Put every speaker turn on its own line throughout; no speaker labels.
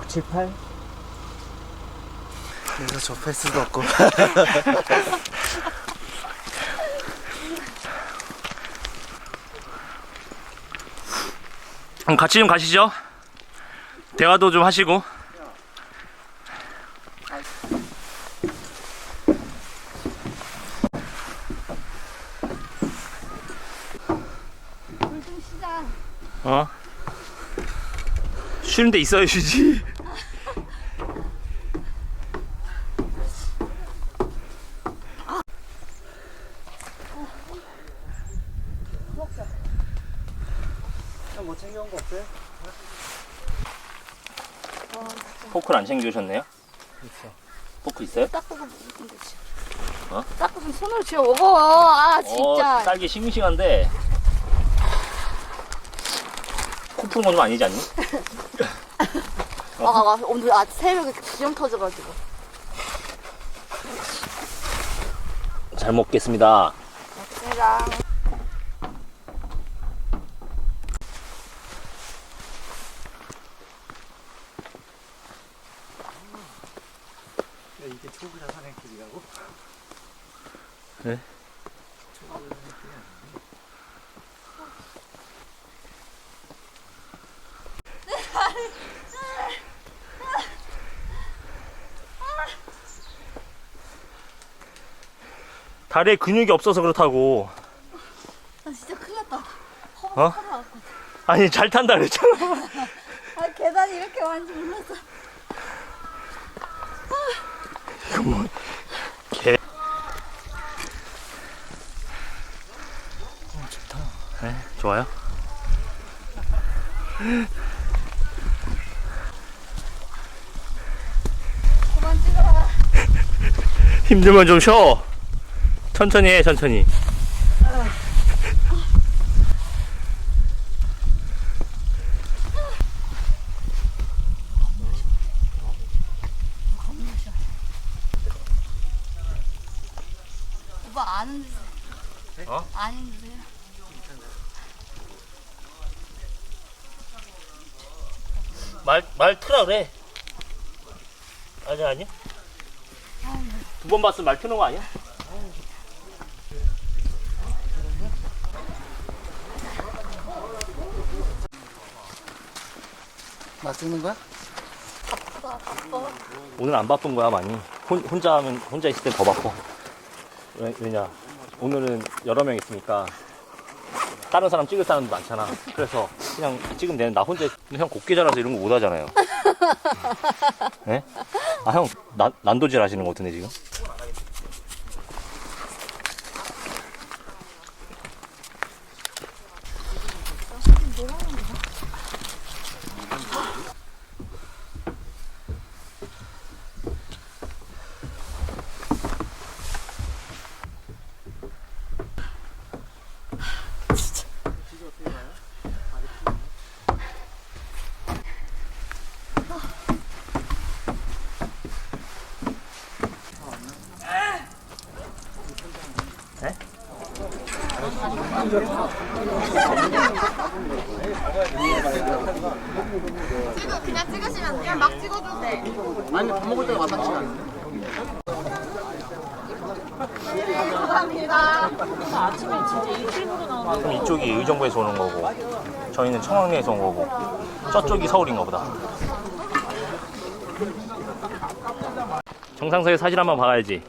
7, 8?
그래서 접할 수도 없고.
그럼 같이 좀 가시죠. 대화도 좀 하시고.
물 좀 쉬자.
어? 쉬는 데 있어야 쉬지.
뭐 챙겨온 거 없어요?
포크를 안 챙겨주셨네요?
있어.
포크 있어요?
닦고 먹으면 되지.
어?
닦고 손으로 쥐어 먹어. 아 진짜.
딸기 싱싱한데 코 푸는 건 좀 아니지 않니?
오늘 새벽에 기름 터져가지고.
잘 먹겠습니다.
내가
이게 초보자 산행길이라고?
네? 다리에 근육이 없어서 그렇다고.
나 진짜 큰일 났다.
어?
허벅
아니 잘 탄다 그랬잖아.
아 계단이 이렇게 많은지 몰랐어.
이거 뭐 개.
좋다.
네, 좋아요.
그만 찍어라.
힘들면 좀 쉬어. 천천히 해, 천천히.
오빠 아는 주세요.
어?
아는 주세요.
말 트라 그래. 아니. 두 번 봤으면 말 트는 거 아니야?
막 찍는 거야?
바빠.
오늘 안 바쁜 거야 많이. 혼자 있을 땐 더 바빠. 왜냐 오늘은 여러 명 있으니까 다른 사람 찍을 사람도 많잖아. 그래서 그냥 찍으면 되는 나 혼자. 근데 형 곱게 자라서 이런 거 못 하잖아요. 네? 아 형 난도질 하시는 거 같은데 지금?
그냥 찍으시면 그냥 막 찍어도 돼.
아니 밥 먹을 때가 마땅치 않아.
감사합니다.
그럼 이쪽이 의정부에서 오는 거고 저희는 청학리에서 온 거고 저쪽이 서울인가 보다. 정상석에 사진 한번 봐야지.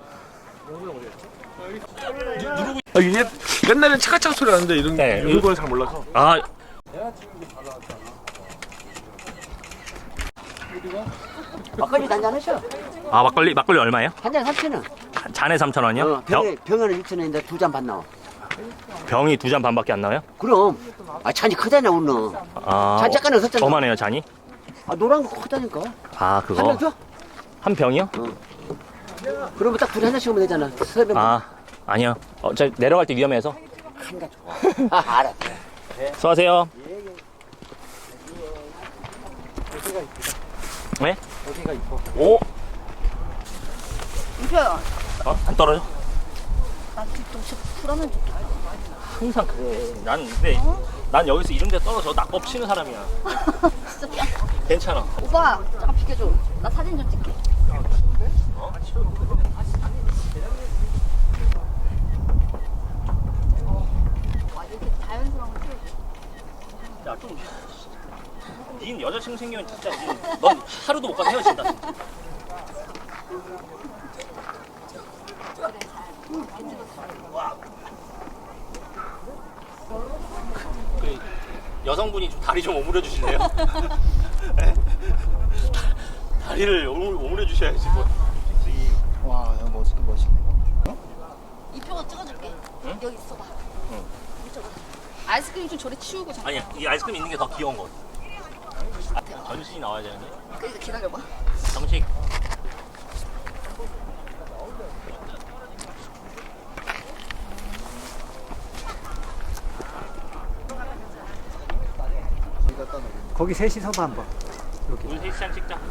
아, 이게 옛날엔 차가차가 소리 나는데 이런 걸 잘 몰라서.
아
막걸리 한잔 하셔.
아, 막걸리 얼마예요?
한잔 3,000원.
잔에 3,000원이요?
병에는 6,000원인데 2잔 반 나와.
병이 2잔 반밖에 안 나와요?
그럼. 아, 잔이 크다냐, 오늘.
아,
잔 잠깐은 섰잖아.
저만해요 잔이?
아, 노란 거 크다니까.
아
한
그거
병 줘?
한 병이요?
그러면 딱 둘이 하나씩 하면 되잖아. 세 병.
아 아니요. 저 내려갈 때 위험해서.
한가 좋아. 아, 알았어.
수고하세요. 네?
어디가 이뻐.
오?
이표야.
안 떨어져?
나 뒤통수 풀하면 좋다.
항상 그래. 난 여기서 이런 데 떨어져 낙법 치는 사람이야.
진짜 뺨.
괜찮아.
오빠 잠깐 비켜줘. 나 사진 좀 찍게.
어?
와 이렇게 자연스러운 걸 찍어줘.
야, 좀. 닌 여자친구 생기면 진짜 넌 하루도 못 가서 헤어진다. 진짜. 그 여성분이 좀 다리 좀 오므려 주실래요? 다리를 오므려 주셔야지 뭐.
와, 여기 멋있네.
이 표가 찍어줄게.
응?
여기 있어봐.
응.
이쪽으로. 아이스크림 좀 저리 치우고 잠깐.
아니야, 이 아이스크림 있는 게 더 귀여운 거. 전신이 나와야 되는데.
그래서 기다려봐.
정식.
거기 셋이서도 한번.
우리 셋이랑 찍자. 아,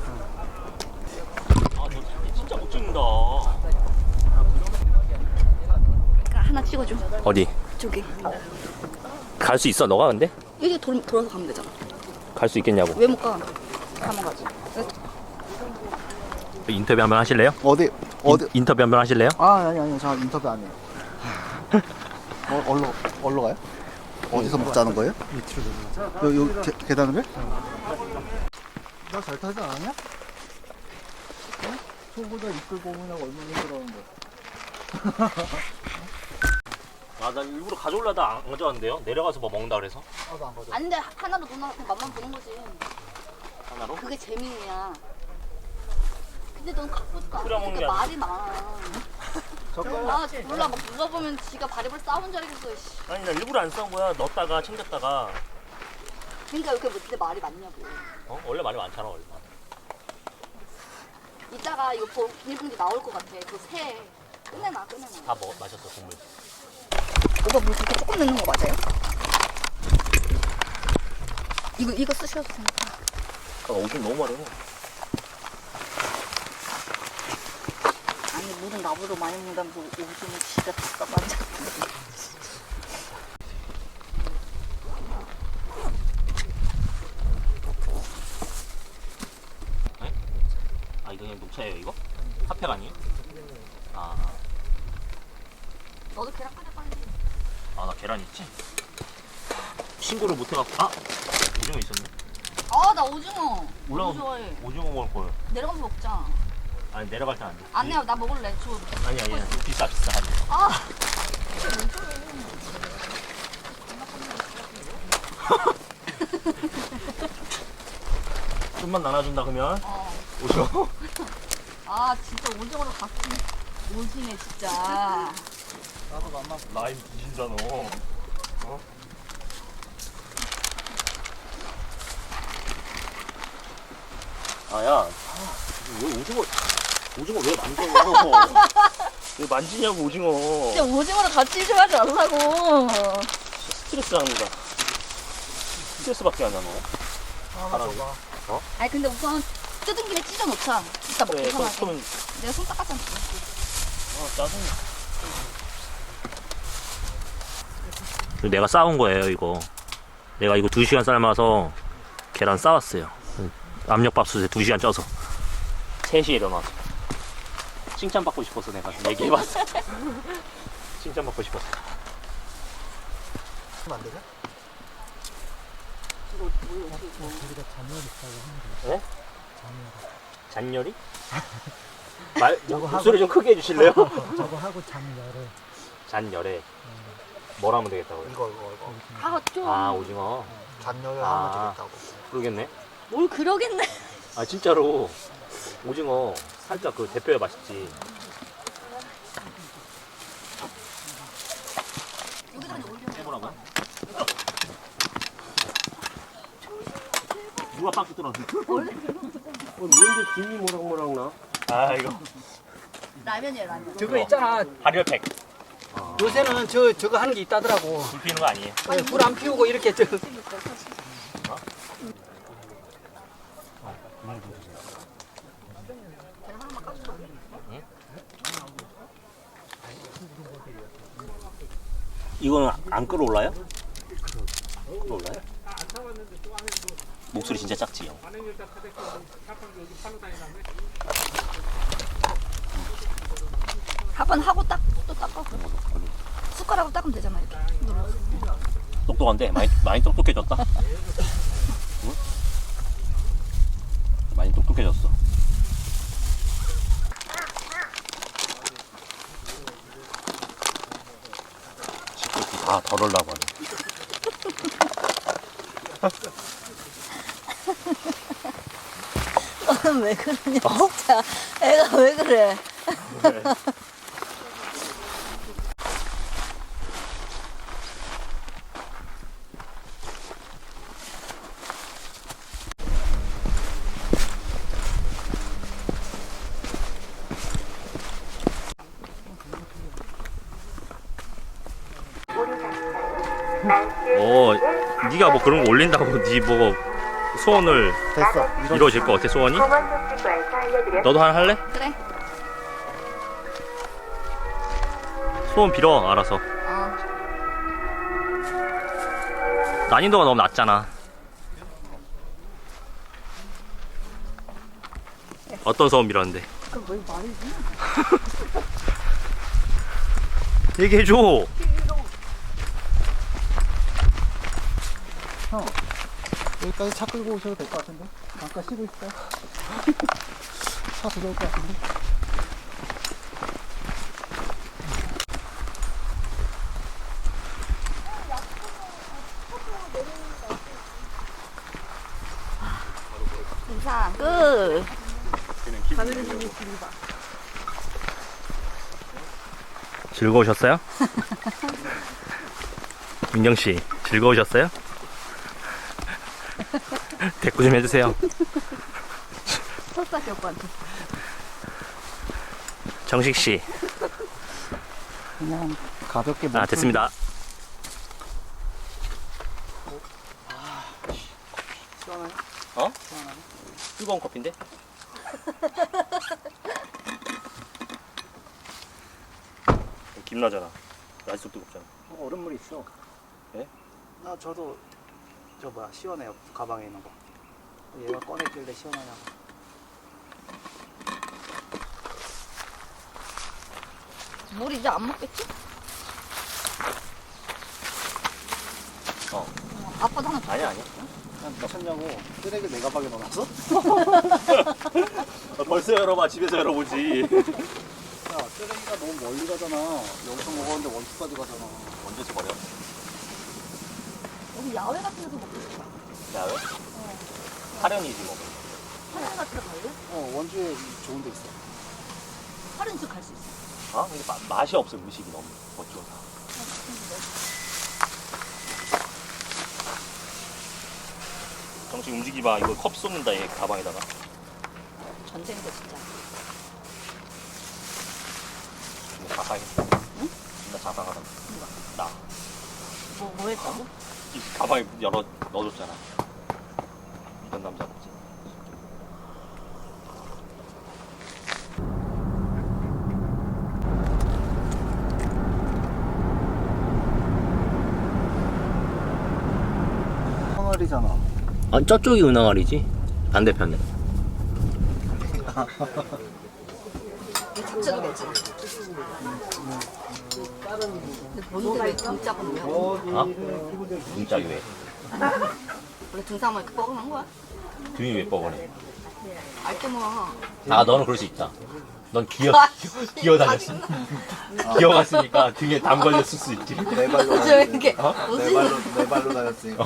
너 진짜 못 찍는다.
그러니까 하나 찍어줘.
어디?
저기.
갈 수 있어, 너가 근데?
여기 돌아서 가면 되잖아.
갈 수 있겠냐고.
왜 못 가? 가면 가지.
인터뷰 한번 하실래요?
어디?
인터뷰 한번 하실래요?
아니, 저 인터뷰 안 해요. 어디로 가요? 어디서 먹자는 거예요? 밑으로 내려가. 여기 계단으로? 나 잘 타지 않았냐? 소보다 이끌 고문하고 얼마나 힘들어하는데.
아, 나 일부러 가져올라다 안 가져왔는데요? 내려가서 뭐 먹는다 그래서?
나도 안 가져.
안 돼. 하나로 누나한테 맛만 보는 거지.
하나로?
그게 재미야. 근데 넌 갖고 싶어.
끓여 먹는 게
그러니까 말이 많아.
젓가락.
아 몰라 막 누가 보면 지가 바리바리 싸운 줄 알겠어. 씨.
아니, 나 일부러 안 싸운 거야. 넣었다가 챙겼다가.
그러니까 이렇게 근데 말이 많냐고.
어? 원래 말이 많잖아, 원래.
이따가 이거 비닐봉지 나올 것 같아. 그거 새. 끝내놔.
다 마셨어, 국물.
오빠 물 그렇게 조금 넣는 거 맞아요? 이거 쓰셔도 되니까.
아, 오줌 너무 마려워.
아니 물은 나보다 많이 먹는다면서 오줌은 지가 다 맞아.
아, 이거 그냥 녹차예요, 이거? 핫팩 아니에요? 아,
너도 계란 까자 빨리.
아, 나 계란 있지? 신고를 못 해갖고. 아! 오징어 있었네?
아 나 오징어.
올라가
너무 좋아해.
오징어 먹을 거예요.
내려가서 먹자.
아니, 내려갈 땐 안 돼.
안 내요. 나 먹을래. 줘.
아니야, 얘 비싸.
아.
좀만 나눠준다, 그러면.
어.
오징어?
아 진짜 오징어로 갚긴 오지네 진짜.
라임 뒤진다, 너. 어? 아, 야. 왜 오징어 왜 만져? 왜 만지냐고, 오징어.
진짜 오징어로 같이 좀 하지 말라고.
스트레스 받는다. 스트레스밖에 안 나, 너. 하라고.
아니 근데 우선 뜯은 김에 찢어 놓자. 이따 먹기
그래,
편하게.
그러면,
내가 손 닦았잖아.
짜증나. 내가 싸운 거예요, 이거. 내가 이거 2시간 삶아서 계란 싸왔어요. 압력밥솥에 2시간 쪄서. 3시에 일어나서. 칭찬받고 싶어서 내가 얘기해봤어. 칭찬받고 싶어서.
안 되냐?
네? 잔열이? 목소리 좀 크게 해주실래요?
저거 하고 장열을.
잔열에 뭘 하면 되겠다고요?
이거.
아 좀.
아, 오징어.
잔열을
아.
하면 되겠다고.
그러겠네.
뭘 그러겠네.
아, 진짜로 오징어 살짝 그 대표야 맛있지. 해보라고요? 누가 박스 뚫었어?
뭔데 김이 모락모락 나?
아, 이거
라면이에요 라면.
저거 있잖아.
발열팩.
요새는 저거 하는 게 있다더라고.
불 피우는 거 아니에요?
불 안 피우고 이렇게
이거는 안 끓어올라요? 끓어올라요? 목소리 진짜 작지 형.
한번 하고 또 닦아. 숟가락으로 닦으면 되잖아 이렇게.
똑똑한데 많이 똑똑해졌다. 응? 많이 똑똑해졌어. 집도 다 덜으려고 하네.
너는 왜 그러냐 진짜. 애가 왜 그래?
네가 뭐 그런 거 올린다고 네 뭐 소원을
됐어.
이루어질 것 같아 소원이? 너도 하나 할래?
그래.
소원 빌어 알아서. 난이도가 너무 낮잖아. 어떤 소원 빌었는데?
왜 말이지?
얘기해줘.
여기까지 차 끌고 오셔도 될 것 같은데? 잠깐 쉬고 있어요. 차 들어올 것 같은데?
인사 끝.
즐거우셨어요? 민경씨 즐거우셨어요? 대꾸 좀 해주세요.
설사기 오빠한테.
정식씨.
그냥 가볍게
아 됐습니다.
시원하네.
어? 뜨거운 커피인데? 김나잖아. 아직도 뜨겁잖아.
얼음물 있어.
네?
저도 저 뭐야 시원해요. 가방에 있는 거. 얘가 꺼냈길래 시원하냐고.
물 이제 안 먹겠지? 아빠도 하나 줘.
아니야.
난 미쳤냐고. 쓰레기 내 가방에 넣어놨어?
벌써 열어봐. 집에서 열어보지.
야, 쓰레기가 너무 멀리 가잖아. 여기서 먹었는데 원주까지 가잖아.
언제서 버려?
여기 야외 같은 데서 먹고 싶다.
야외? 하련이지 뭐.
하늘 같은 데 갈래?
원주에 좋은 데 있어.
하늘 집 갈 수 있어.
아? 근데 맛이 없어. 음식이 너무 어쩌다. 정식 움직이 봐. 이거 컵 쏟는다. 얘 가방에다가.
전쟁도 진짜.
이거 자상했다. 응? 나 자상하다.
누가?
나.
뭐 했다고?
이 가방에 넣어줬잖아. 이런 남자 없지.
터널이잖아.
아, 저쪽이 은하알이지. 반대편에.
자체도 괜찮아. 근데 뭔데 왜 등짝 없냐?
어? 등짝이 왜?
원래 등산만 이렇게 뻐근한 거야?
등이 왜 뻐근해?
알게 뭐.
아, 너는 그럴 수 있다. 넌
아,
기어다녔어. 기어갔으니까 등에 담 걸렸을 수 있지.
내 발로
왜 이렇게
내 발로 다녔으니까.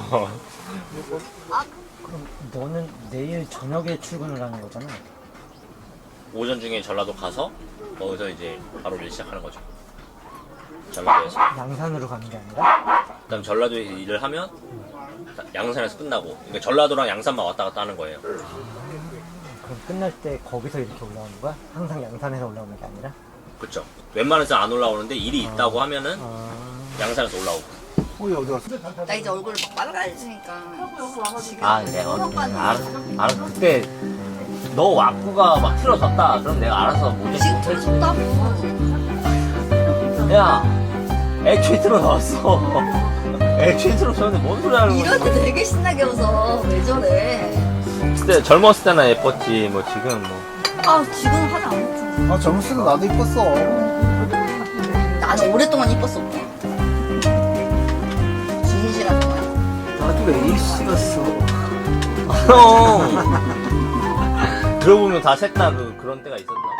너는 내일 저녁에 출근을 하는 거잖아.
오전 중에 전라도 가서 거기서 이제 바로 일 시작하는 거죠. 전라도에서.
양산으로 가는 게 아니라?
그다음 전라도에서 일을 하면 양산에서 끝나고. 그러니까 전라도랑 양산만 왔다 갔다 하는 거예요.
그럼 끝날 때 거기서 이렇게 올라오는 거야? 항상 양산에서 올라오는 게 아니라?
그렇죠. 웬만해서 안 올라오는데 일이 있다고 하면은 양산에서 올라오고.
어디 갔어?
나 이제 얼굴 막 빨라지니까. 지금
아, 내가
오빠는
알아. 그때 너 와꾸가 막 틀어졌다. 그럼 내가 알아서 모자
지금 들었다고.
야, 애초에 틀어 넣었어. 액션처럼 쳤는데 뭔 소리 하는 거야?
이럴 때 되게 신나게 웃어. 왜 저래?
그때 젊었을 때나 예뻤지. 뭐 지금 뭐.
아, 지금 화장 안 했잖아.
아 젊었을 때 나도 이뻤어.
나는 오랫동안 이뻤어, 오빠. 진실한 거야.
나도 왜 이씨였어.
형. 들어보면 다 셋 다 그런 때가 있었나 봐.